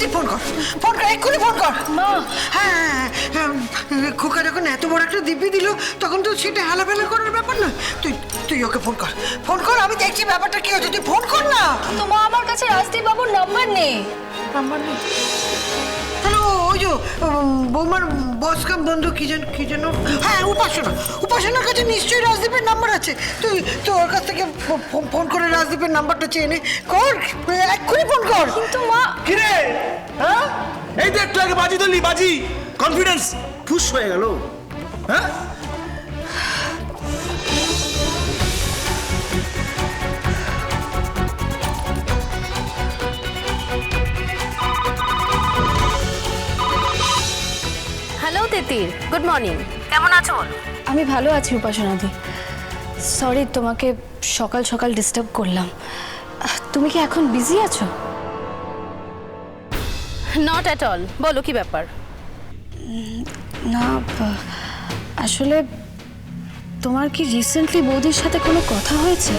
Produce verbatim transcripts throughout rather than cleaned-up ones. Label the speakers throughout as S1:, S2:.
S1: তুই ফোন কর, ফোন কর, এক্ষুনি ফোন কর।
S2: মা।
S1: হ্যাঁ, খোকা যখন এত বড় একটা দিব্যি দিল তখন তো সেটা হেলাফেলা করার ব্যাপার না। তুই তুই ওকে ফোন কর, ফোন কর, আমি দেখছি ব্যাপারটা কি হচ্ছে, তুই ফোন কর না।
S2: তো মা আমার কাছে রাজদীপ বাবুর নাম্বার নেই। নাম্বার নেই?
S1: তাহলে ওই যে বৌমার বস কাম বন্ধু কি যেন কি যেন হ্যাঁ উপাসনা, উপাসনার কাছে নিশ্চয়ই রাজদীপের নাম্বার আছে। তুই তো ওর কাছ থেকে ফোন করে রাজদীপের নাম্বারটা চেয়ে নে, কর, এক্ষুনি ফোন কর।
S2: কিন্তু মা।
S3: কিরে হ্যাঁ, এই তো একটু আগে বাজি ধরলি, বাজি কনফিডেন্স ফুস হয়ে গেল। হ্যাঁ
S4: হ্যালো তিতির, গুড মর্নিং। কেমন আছো বলো?
S2: আমি ভালো আছি উপাসনাদি। সরি তোমাকে সকাল সকাল ডিস্টার্ব করলাম। তুমি কি এখন বিজি আছো?
S4: নট অ্যাট অল, বলো কি ব্যাপার?
S2: না আসলে তোমার কি রিসেন্টলি বৌদির সাথে কোনো কথা হয়েছে?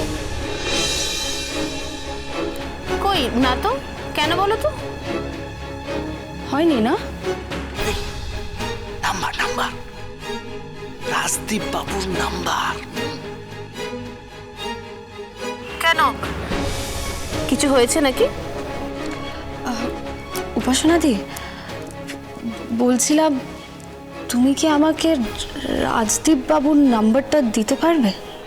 S4: কই না তো, কেন বলো তো?
S2: হয়নি না?
S3: নাম্বার নাম্বার রাজদীপ বাবুর নাম্বার।
S4: কেন, কিছু হয়েছে নাকি?
S2: উপাসনাদি বলছিলাম, তুমি কি আমাকে রাজদীপ বাবুর নাম্বারটা দিতে পারবে?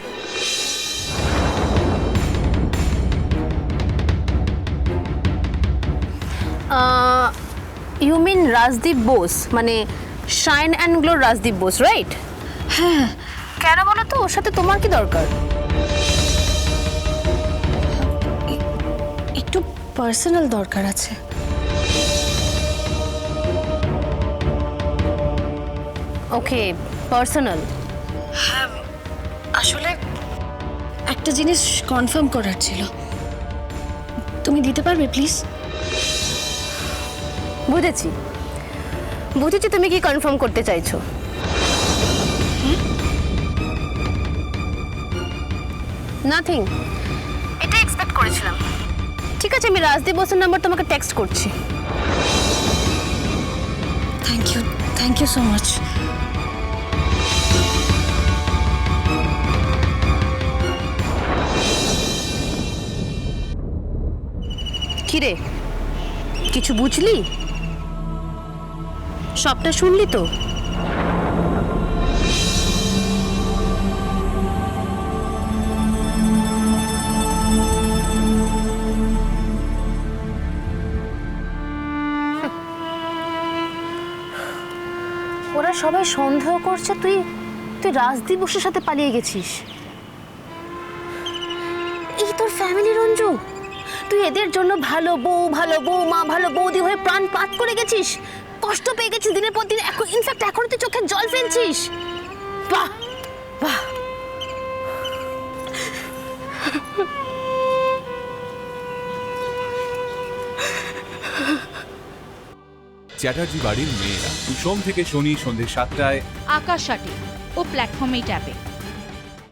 S4: ইউ মিন রাজদীপ বোস, মানে শাইন অ্যান্ড গ্লোর রাজদীপ বোস, রাইট?
S2: হ্যাঁ।
S4: কেন বলো তো, ওর সাথে তোমার কি দরকার?
S2: একটু পার্সোনাল দরকার আছে।
S4: Okay, personal.
S2: হ্যাঁ আসলে একটা জিনিস কনফার্ম করার ছিল, তুমি দিতে পারবে প্লিজ?
S4: বুঝেছি বুঝেছি তুমি কি কনফার্ম করতে চাইছো। নাথিং, এটা এক্সপেক্ট করেছিলাম। ঠিক আছে, আমি রাজদীপ বোসের নাম্বার তোমাকে টেক্সট করছি।
S2: Thank you, thank you so much.
S4: কিরে, কিছু বুঝলি? সবটা শুনলি তো? ওরা সবাই সন্দেহ করছে তুই তুই রাজদীপ বসুর সাথে পালিয়ে গেছিস। এই তোর ফ্যামিলি রঞ্জু, তুই এদের জন্য ভালো বউ, ভালো বউ মা, ভালো বৌদি হয়ে প্রাণ পাত করে গেছিস, কষ্ট পেয়ে গেছিস দিনের পর দিন। এখন ইনফ্যাক্ট এখন তুই চোখে জল ফেলছিস। বাহ বাহ।
S5: চ্যাটার্জি বাড়ির মেয়েরা, সোম থেকে শনি সন্ধ্যে সাতটায়
S6: আকাশ সাটি ও প্ল্যাটফর্মেই ট্যাপে।